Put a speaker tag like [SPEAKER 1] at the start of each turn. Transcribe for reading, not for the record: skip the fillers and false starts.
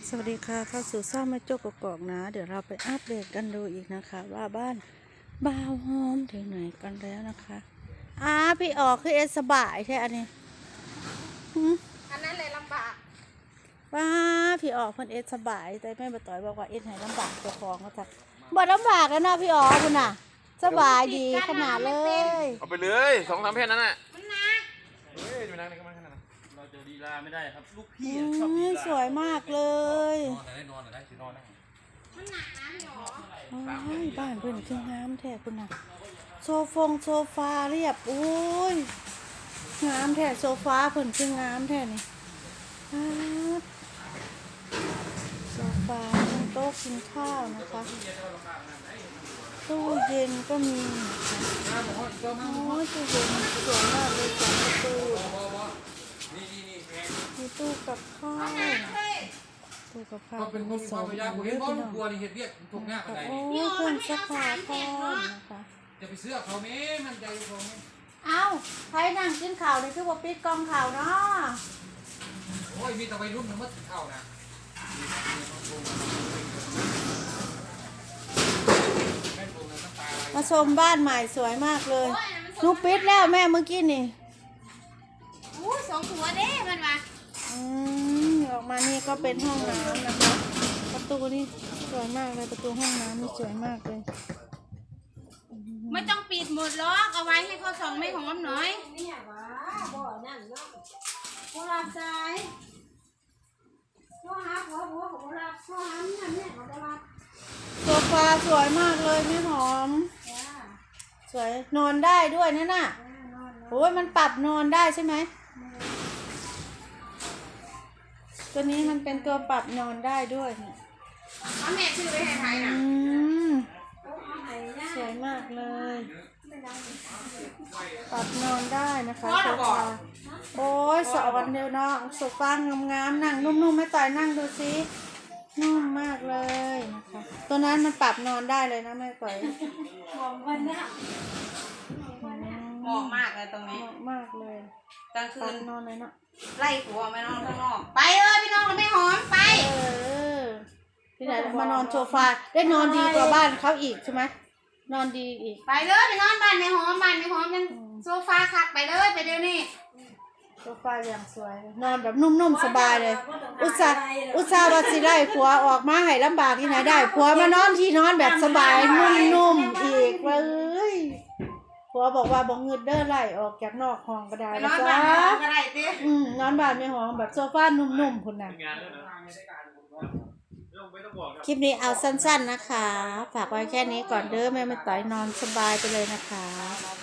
[SPEAKER 1] สวัสดีค่ะเข้าสู่ซ่อมแม่โจ๊กกอกนะเดี๋ยวเราไปอัปเดตกันดูอีกนะคะว่าบ้านบ่าวหอมถึงไหนกันแล้วนะคะพี่ออกคือเอสสบายใช่อันนี้
[SPEAKER 2] อันนั้นเลยลำบาก
[SPEAKER 1] ว้าพี่ออกคนเอสสบายแต่แม่บ่ต่อยบอกว่าเอสไหนลำบากเจ้าของก็จะบ่ลำบากแล้วนะพี่ออกคุณน่ะสบายดีขนาดเลย
[SPEAKER 3] เอาไปเลย2-3แผ่นนั้นน่ะ
[SPEAKER 2] มันหนัก
[SPEAKER 3] เฮ้ยจะไปนั่งในกระมังขนาดนั้น
[SPEAKER 4] เราจะดีลาไม่ได้ครับลูกพี่
[SPEAKER 1] อื
[SPEAKER 4] ชอบดี
[SPEAKER 1] ม
[SPEAKER 4] ลา
[SPEAKER 1] สวยมากเลย
[SPEAKER 4] นอนได้นอนได้สินอนได้
[SPEAKER 2] มันหนักนะพี่หรอ
[SPEAKER 1] โอ้ยบ้านเพิ่นคืองามแท้คุณน่ะโซฟาเรียบโอ้ยงามแท้โซฟาเพิ่นคืองามแท้นี่โซฟาโต๊ะกินข้าวนะคะตู้เย็นก็มีนะคะโอ้ยตู้เย็นสวยมากเลยจังตู้มีตู้กับข้าวตู้กับข้าว
[SPEAKER 4] ก็เป็นคนมีความพยายามผมเห็นว่าลูกบัวนี่เห็ดเวียกถูกหน้ากันไหน
[SPEAKER 1] โอ้เครื่องซักผ้าพร้อมนะคะ
[SPEAKER 4] จะไปเสื้อเขาไหมมันใจเขาไหม
[SPEAKER 1] เอ้าใครนั่งกินข้าวในคือว่าปิดกองข้าวเนาะ
[SPEAKER 4] โอ้ยมีแต่วัยรุ่นมันมัดเข้านะ
[SPEAKER 1] มาชมบ้านใหม่สวยมากเลยนุปิดแล้วแม่เมื่อกี้นี่
[SPEAKER 2] อู้สองหัวเด้มันมา
[SPEAKER 1] ออกมานี่ก็เป็นห้องน้ำนะคะประตูนี่สวยมากเลยประตูห้องน้ำนี่สวยมากเลย
[SPEAKER 2] ไม่ต้องปิดหมดล็อกเอาไว้ให้เขาส่องไม่หอมหน่อยเนี่ยว้าบ่อนั่นเนาะโบราณใจพ่อฮักหัวของโบราณพ่อฮักเนี่ยของโบราณ
[SPEAKER 1] โซฟาสวยมากเลยแม่หอมสวยนอนได้ด้วยนั่นน่ะโอ้ยมันปรับนอนได้ใช่ไหมตัวนี้มันเป็นตัวปรับนอนได้ด้วยเนี่ย
[SPEAKER 2] เอาแม่ชื่อไปให้ไทยนะ
[SPEAKER 1] สวยมากเลยปรับนอนได้นะคะโซฟาโอ้ยสอนเดียวเนาะโซฟางามๆนั่งนุ่มๆไม่ต่อยนั่งดูสินุ่มมากเลยนะคะตัวนั้นมันปรับนอนได้เลยนะแม่ต่อย
[SPEAKER 2] มองวันเนี้ยมองมากเลยตรงนี้
[SPEAKER 1] เหมาะมากเลย
[SPEAKER 2] กลางคื
[SPEAKER 1] ปรั
[SPEAKER 2] น
[SPEAKER 1] บนอนเลยเนาะ
[SPEAKER 2] ไล่หัวไปนอนข้างนอกไปพี่น้องเราไม่หอมไป
[SPEAKER 1] ที่ไหนมานอนโซฟาได้นอนดีกว่าบ้านเขาอีกใช่ไหมนอนดีอีก
[SPEAKER 2] ไปเลยไปนอนบ้านไม่หอมยังโซฟาคักไปเลยไปเดี๋ยวนี้
[SPEAKER 1] โซฟาอย่างสวยนอนแบบนุ่มๆสบายเลยอุตส่าห์ว่าสิได้ผัวออกมาให้ลำบากที่ไหนได้ผัวมานอนที่นอนแบบสบายนุ่มๆอีกเลยผัวบอกว่าบ่งึดเด้อไล่ออกจากนอกห้องก็ได้
[SPEAKER 2] ไปน
[SPEAKER 1] นะ
[SPEAKER 2] อน
[SPEAKER 1] จ๊ะ
[SPEAKER 2] บ้านไม่หอมก็ได้ติ
[SPEAKER 1] นอนบ้านไม่หอมแบบโซฟานุ่มๆพุ่นน่ะคลิปนี้เอาสั้นๆนะคะฝากไว้แค่นี้ก่อนเด้อแม่ไม่ต่อยนอนสบายไปเลยนะคะ